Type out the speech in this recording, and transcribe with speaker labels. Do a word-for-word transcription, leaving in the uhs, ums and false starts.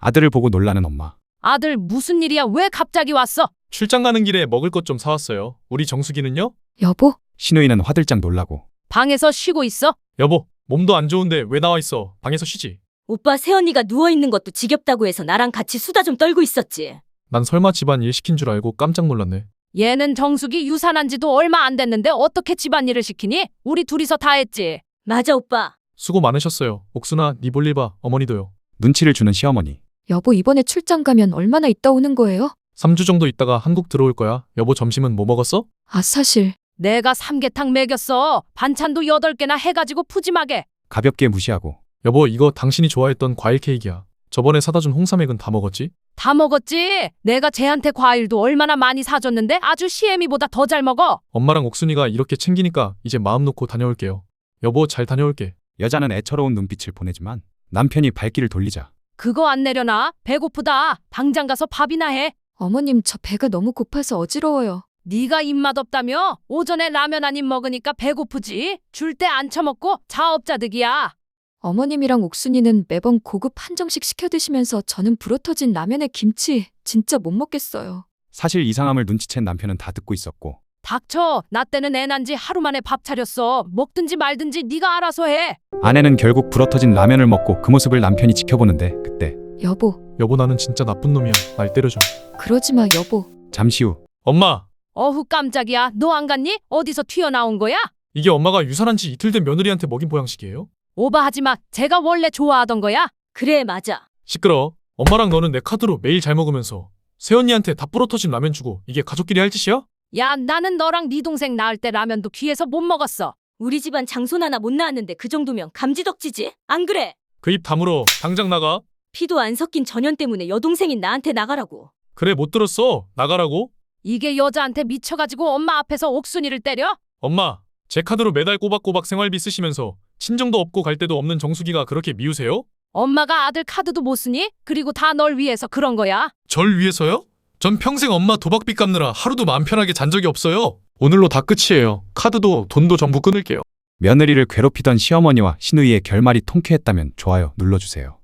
Speaker 1: 아들을 보고 놀라는 엄마.
Speaker 2: 아들 무슨 일이야? 왜 갑자기 왔어?
Speaker 3: 출장 가는 길에 먹을 것 좀 사왔어요. 우리 정수기는요?
Speaker 4: 여보,
Speaker 1: 신우이는 화들짝 놀라고.
Speaker 2: 방에서 쉬고 있어?
Speaker 3: 여보, 몸도 안 좋은데 왜 나와 있어? 방에서 쉬지.
Speaker 5: 오빠 새언니가 누워있는 것도 지겹다고 해서 나랑 같이 수다 좀 떨고 있었지.
Speaker 3: 난 설마 집안 일 시킨 줄 알고 깜짝 놀랐네.
Speaker 2: 얘는 정숙이 유산한 지도 얼마 안 됐는데 어떻게 집안일을 시키니? 우리 둘이서 다 했지.
Speaker 5: 맞아 오빠.
Speaker 3: 수고 많으셨어요. 옥순아, 네 볼일 봐. 어머니도요.
Speaker 1: 눈치를 주는 시어머니.
Speaker 4: 여보 이번에 출장 가면 얼마나 있다 오는 거예요?
Speaker 3: 삼 주 정도 있다가 한국 들어올 거야. 여보 점심은 뭐 먹었어?
Speaker 4: 아 사실
Speaker 2: 내가 삼계탕 먹였어. 반찬도 여덟 개나 해가지고 푸짐하게.
Speaker 1: 가볍게 무시하고.
Speaker 3: 여보, 이거 당신이 좋아했던 과일 케이크야. 저번에 사다 준 홍삼액은 다 먹었지?
Speaker 2: 다 먹었지. 내가 쟤한테 과일도 얼마나 많이 사줬는데 아주 시애미보다 더 잘 먹어.
Speaker 3: 엄마랑 옥순이가 이렇게 챙기니까 이제 마음 놓고 다녀올게요. 여보, 잘 다녀올게.
Speaker 1: 여자는 애처로운 눈빛을 보내지만 남편이 발길을 돌리자.
Speaker 2: 그거 안 내려놔. 배고프다. 당장 가서 밥이나 해.
Speaker 4: 어머님 저 배가 너무 고파서 어지러워요.
Speaker 2: 네가 입맛 없다며? 오전에 라면 한 입 먹으니까 배고프지. 줄 때 안 처먹고 자업자득이야.
Speaker 4: 어머님이랑 옥순이는 매번 고급 한정식 시켜 드시면서 저는 불어터진 라면에 김치 진짜 못 먹겠어요.
Speaker 1: 사실 이상함을 눈치챈 남편은 다 듣고 있었고.
Speaker 2: 닥쳐. 나 때는 애 난 지 하루 만에 밥 차렸어. 먹든지 말든지 네가 알아서 해.
Speaker 1: 아내는 결국 불어터진 라면을 먹고 그 모습을 남편이 지켜보는데 그때
Speaker 4: 여보,
Speaker 3: 여보, 나는 진짜 나쁜 놈이야. 날 때려줘.
Speaker 4: 그러지 마 여보.
Speaker 1: 잠시 후
Speaker 3: 엄마!
Speaker 2: 어후 깜짝이야. 너 안 갔니? 어디서 튀어나온 거야?
Speaker 3: 이게 엄마가 유산한 지 이틀 된 며느리한테 먹인 보양식이에요?
Speaker 2: 오버하지 마. 제가 원래 좋아하던 거야.
Speaker 5: 그래 맞아.
Speaker 3: 시끄러워. 엄마랑 너는 내 카드로 매일 잘 먹으면서 새언니한테 다 부러터진 라면 주고 이게 가족끼리 할 짓이야?
Speaker 2: 야, 나는 너랑 네 동생 낳을 때 라면도 귀해서 못 먹었어.
Speaker 5: 우리 집안 장손 하나 못 낳았는데 그 정도면 감지덕지지? 안 그래?
Speaker 3: 그 입 다물어. 당장 나가.
Speaker 5: 피도 안 섞인 전현 때문에 여동생인 나한테 나가라고.
Speaker 3: 그래, 못 들었어. 나가라고.
Speaker 2: 이게 여자한테 미쳐가지고 엄마 앞에서 옥순이를 때려?
Speaker 3: 엄마, 제 카드로 매달 꼬박꼬박 생활비 쓰시면서 친정도 없고 갈 데도 없는 정수기가 그렇게 미우세요?
Speaker 2: 엄마가 아들 카드도 못 쓰니? 그리고 다 널 위해서 그런 거야.
Speaker 3: 절 위해서요? 전 평생 엄마 도박비 갚느라 하루도 마음 편하게 잔 적이 없어요. 오늘로 다 끝이에요. 카드도 돈도 전부 끊을게요.
Speaker 1: 며느리를 괴롭히던 시어머니와 신우이의 결말이 통쾌했다면 좋아요 눌러주세요.